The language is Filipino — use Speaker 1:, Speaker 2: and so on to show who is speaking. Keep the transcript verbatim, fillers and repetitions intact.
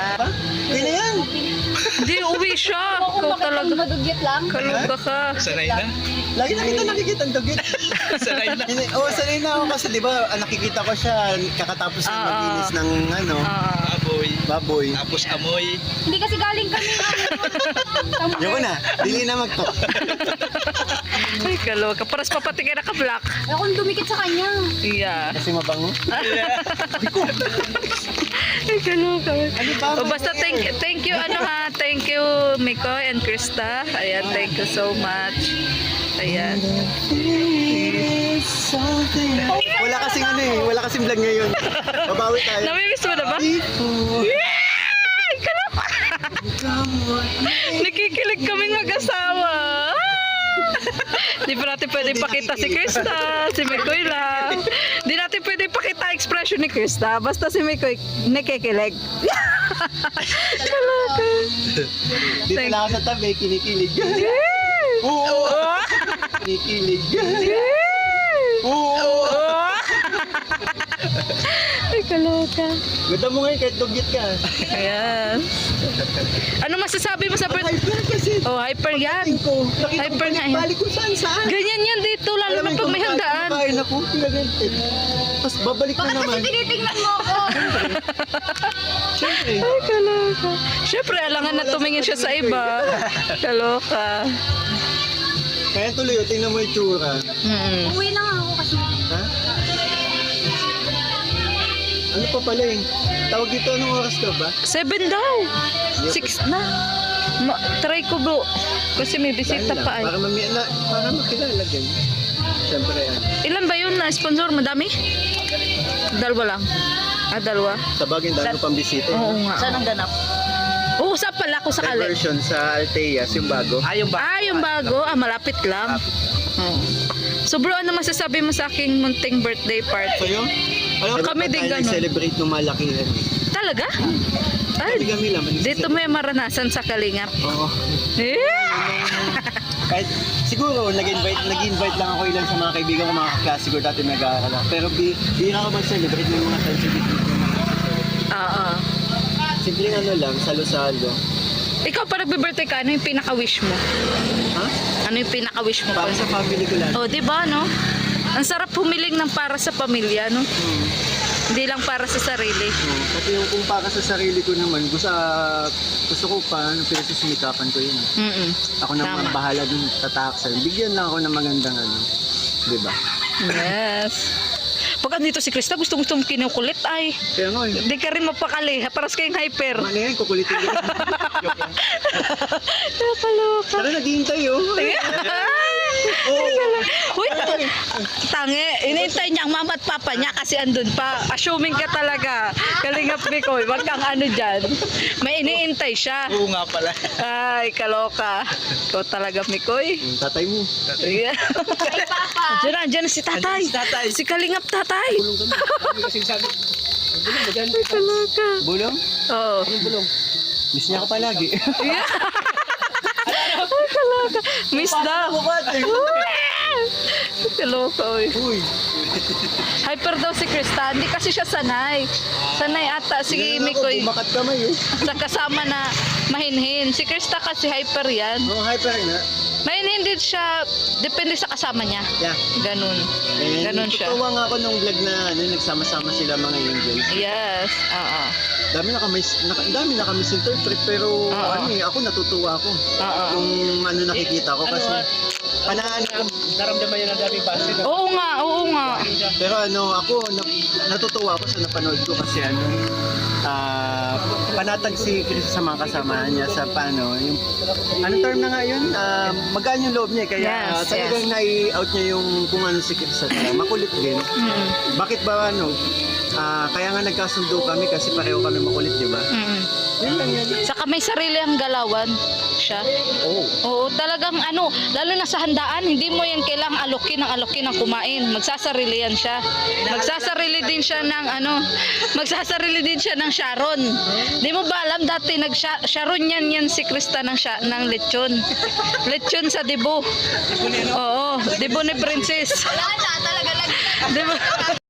Speaker 1: Yun na yan.
Speaker 2: Hindi, uwi siya. Ikaw talaga.
Speaker 3: Madugyat lang.
Speaker 2: Kaluga ka.
Speaker 4: Sanay na.
Speaker 1: Lagi na kita nakikita ang dugit.
Speaker 4: Sanay na.
Speaker 1: Hindi, Oo, sanay na ako kasi di ba ah, nakikita ko siya kakatapos ng
Speaker 2: Ah,
Speaker 1: maglinis
Speaker 2: ah.
Speaker 1: ng ano,
Speaker 2: Ah,
Speaker 4: Baboy.
Speaker 1: baboy.
Speaker 4: Tapos amoy.
Speaker 3: Hindi kasi galing kami.
Speaker 1: Yoko na, dili na magto.
Speaker 2: ay, kaluga ka. Paras papatingin na ka-black.
Speaker 3: Ako dumikit sa kanya.
Speaker 2: Yeah.
Speaker 1: Kasi mabango.
Speaker 2: Ay, kaluga.
Speaker 1: Ano ba?
Speaker 2: O, basta thank, thank you, ano ha. Thank you, Mikoy and Krista. Ayan, thank you so much. Ayan.
Speaker 1: Wala kasing ano eh, wala kasing vlog ngayon. Babawi tayo.
Speaker 2: Namimiss mo na ba? Ay, kaluga. Nakikilig kaming mag-asawa. Di pa natin pwede pakita si Krista, si Mikoy lang. Di natin pwede pakita expression ni Krista, basta si Mikoy nakikilig. Talaga.
Speaker 1: Dito lang ako sa tabi, kinikilig. Oo. Kinikilig. Oo.
Speaker 2: Ay, kaloka.
Speaker 1: Ganda mo ngayon kahit dugyit ka.
Speaker 2: Ayan. Ano masasabi mo sa per...
Speaker 1: Hyper kasi.
Speaker 2: Oh, hyper yan.
Speaker 1: Ko. Nakita
Speaker 2: Hyper
Speaker 1: ko
Speaker 2: nga yan.
Speaker 1: balik kung saan saan.
Speaker 2: Ganyan yan dito, lalo na pag may handaan.
Speaker 1: Kain ako, pinagantit. Tapos babalik na
Speaker 3: Bakit kasi
Speaker 1: naman.
Speaker 3: tinitingnan mo ako?
Speaker 1: Siyempre.
Speaker 2: Ay, kaloka. Siyempre, alangan na tumingin siya sa iba. Kaloka.
Speaker 1: Kaya tuloy, oh, tingnan mo yung tsura.
Speaker 2: Mm.
Speaker 3: Uwi na nga ako kasi.
Speaker 1: Ha? Ano pa pala eh? Tawag dito, anong oras ka ba?
Speaker 2: Seven daw. Six na. Ma try ko bro. Kasi may bisita
Speaker 1: Dahil lang,
Speaker 2: pa ay.
Speaker 1: Para mami na, para makilala din. Siyempre yan.
Speaker 2: Ilan ba yun na sponsor? Madami? Dalawa lang. Ah, dalawa.
Speaker 1: Sa bagay, dahil pang bisita.
Speaker 2: Oo nga.
Speaker 3: Saan ang ganap?
Speaker 2: Oo, sa pala ko sakali.
Speaker 1: Diversion sa Alteas, yung bago.
Speaker 4: Ah, yung ba?
Speaker 2: Ah, yung bago. Ah, malapit lang. Oo. So bro, ano masasabi mo sa aking munting birthday
Speaker 1: So
Speaker 2: party?
Speaker 1: yun? Alam mo,
Speaker 2: Kami din ganun.
Speaker 1: celebrate ng malakihan.
Speaker 2: Talaga?
Speaker 1: Hindi
Speaker 2: Ay,
Speaker 1: kami lang.
Speaker 2: dito may maranasan sa Kalingap.
Speaker 1: Oo.
Speaker 2: Eh?
Speaker 1: Kahit siguro nag-invite nag-invite lang ako ilan sa mga kaibigan ko, mga kaklase ko dati nag-aaral ako. Pero di di na ako mag-celebrate ng mga sensitive.
Speaker 2: Oo.
Speaker 1: Simpleng ano lang, salo-salo.
Speaker 2: Ikaw pa nagbe-birthday ka, ano yung pinaka-wish mo?
Speaker 1: Ha?
Speaker 2: Ano yung pinaka-wish mo?
Speaker 1: Para sa family ko lang.
Speaker 2: Oh, di ba, no? Ang sarap humiling ng para sa pamilya, no?
Speaker 1: Hmm.
Speaker 2: Hindi lang para sa sarili.
Speaker 1: Oo. Pati yung kung para sa sarili ko naman, gusto, ah, gusto ko pa, ano, pinagsusumikapan ko yun.
Speaker 2: Mm-mm.
Speaker 1: Ako naman
Speaker 2: Tama.
Speaker 1: bahala dun tataksan. Bigyan lang ako ng magandang ano. Di ba?
Speaker 2: Yes. Pag andito si Krista, gusto gusto mong kinukulit ay.
Speaker 1: Kaya nga eh.
Speaker 2: Hindi ka rin mapakali. Paras kayong hyper.
Speaker 1: Ano yan, kukulitin ko. Joke lang.
Speaker 2: Nakaloka.
Speaker 1: Tara, naghihintay oh. Oo.
Speaker 2: Uy, t- tangi. Inintay niya ang mama at papa niya kasi andun pa. Assuming ka talaga. Kalingap Mikoy. Wag kang ano dyan. May iniintay siya.
Speaker 4: Oo nga pala.
Speaker 2: Ay, kaloka. Ikaw talaga, Mikoy.
Speaker 1: Yung tatay mo.
Speaker 2: Yeah.
Speaker 3: Ay, Papa!
Speaker 2: Diyan na, diyan na si tatay.
Speaker 4: Si tatay.
Speaker 2: Si Kalingap tatay.
Speaker 1: Bulong kami. Sabi kasing sabi. Bulong, maganda.
Speaker 2: Kaloka.
Speaker 1: Bulong?
Speaker 2: Oo.
Speaker 1: Anong bulong? Miss niya ako palagi.
Speaker 2: Yeah. Ay, kaloka. Miss daw. Kaloka, oy.
Speaker 1: Uy.
Speaker 2: Hyper daw si Krista. Hindi kasi siya sanay. Sanay ata si
Speaker 1: Ganun ako,
Speaker 2: Mikoy.
Speaker 1: bumakat kamay eh.
Speaker 2: Sa kasama na mahinhin. Si Krista kasi hyper yan.
Speaker 1: Oo, hyper nga.
Speaker 2: Mahinhin din siya. Depende sa kasama niya.
Speaker 1: Yeah.
Speaker 2: Ganun.
Speaker 1: And
Speaker 2: Ganun siya.
Speaker 1: tutuwa nga ako nung vlog na ano, nagsama-sama sila mga angels.
Speaker 2: Yes. Oo.
Speaker 1: Dami na kami, naka, dami na kami misinterpret pero
Speaker 2: Oo.
Speaker 1: ano eh, ako natutuwa ako.
Speaker 2: Oo.
Speaker 1: Kung ano nakikita ko
Speaker 4: Ano,
Speaker 1: kasi
Speaker 4: ah,
Speaker 1: panaan ko.
Speaker 4: Naramdaman niya ng daming base.
Speaker 2: Oo nga. Oo nga.
Speaker 1: Pero ano, ako na, natutuwa ako sa napanood ko kasi ano, ah panatag si Chris sa mga kasama niya sa paano, yung ano term na nga yun, ah magaan yung loob niya kaya
Speaker 2: Yes,
Speaker 1: talagang
Speaker 2: yes.
Speaker 1: nai-out niya yung kung ano si Chris sa kanya. Makulit din.
Speaker 2: Mm.
Speaker 1: Bakit ba ano, ah kaya nga nagkasundo kami kasi pareho kami makulit, di ba?
Speaker 2: Mm.
Speaker 1: Yun lang yan.
Speaker 2: Saka may sarili ang galawan siya.
Speaker 1: Oo.
Speaker 2: Oo, talagang ano, lalo na sa handaan, hindi mo yan kailangang alokin ng alokin ng kumain. Magsasarili yan siya. Magsasarili din siya ng ano, magsasarili din siya ng Sharon. Hindi mo ba alam dati nag Sharon yan yan si Krista ng sya, ng lechon. Lechon sa Dibo. Oo, Dibo ni Princess.
Speaker 3: Wala na, talaga lang.
Speaker 2: Dibo.